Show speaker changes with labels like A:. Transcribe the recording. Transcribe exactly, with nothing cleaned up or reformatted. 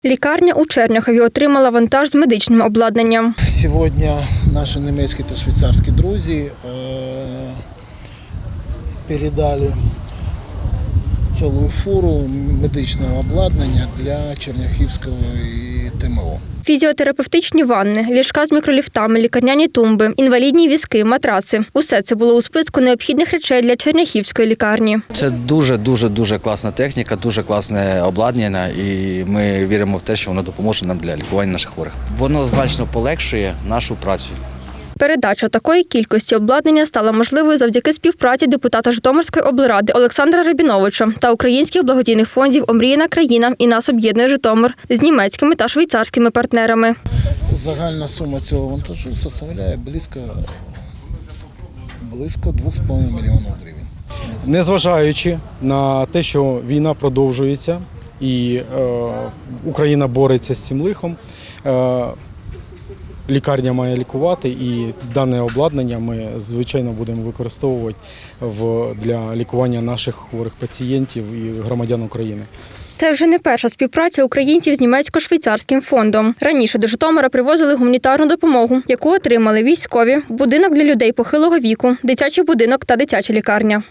A: Лікарня у Черняхові отримала вантаж з медичним обладнанням.
B: Сьогодні наші німецькі та швейцарські друзі передали цілу фуру медичного обладнання для Черняхівського Т М О.
A: Фізіотерапевтичні ванни, ліжка з мікроліфтами, лікарняні тумби, інвалідні візки, матраци – усе це було у списку необхідних речей для Черняхівської лікарні.
C: Це дуже-дуже-дуже класна техніка, дуже класне обладнання, і ми віримо в те, що воно допоможе нам для лікування наших хворих. Воно значно полегшує нашу працю.
A: Передача такої кількості обладнання стала можливою завдяки співпраці депутата Житомирської облради Олександра Рабіновича та українських благодійних фондів «Омріяна країна» і «Нас об'єднує Житомир» з німецькими та швейцарськими партнерами.
B: Загальна сума цього вантажу складає близько, близько двох з половиною мільйонів гривень.
D: Незважаючи на те, що війна продовжується і е, Україна бореться з цим лихом, е, лікарня має лікувати, і дане обладнання ми, звичайно, будемо використовувати в, для лікування наших хворих пацієнтів і громадян України.
A: Це вже не перша співпраця українців з німецько-швейцарським фондом. Раніше до Житомира привозили гуманітарну допомогу, яку отримали військові, будинок для людей похилого віку, дитячий будинок та дитяча лікарня.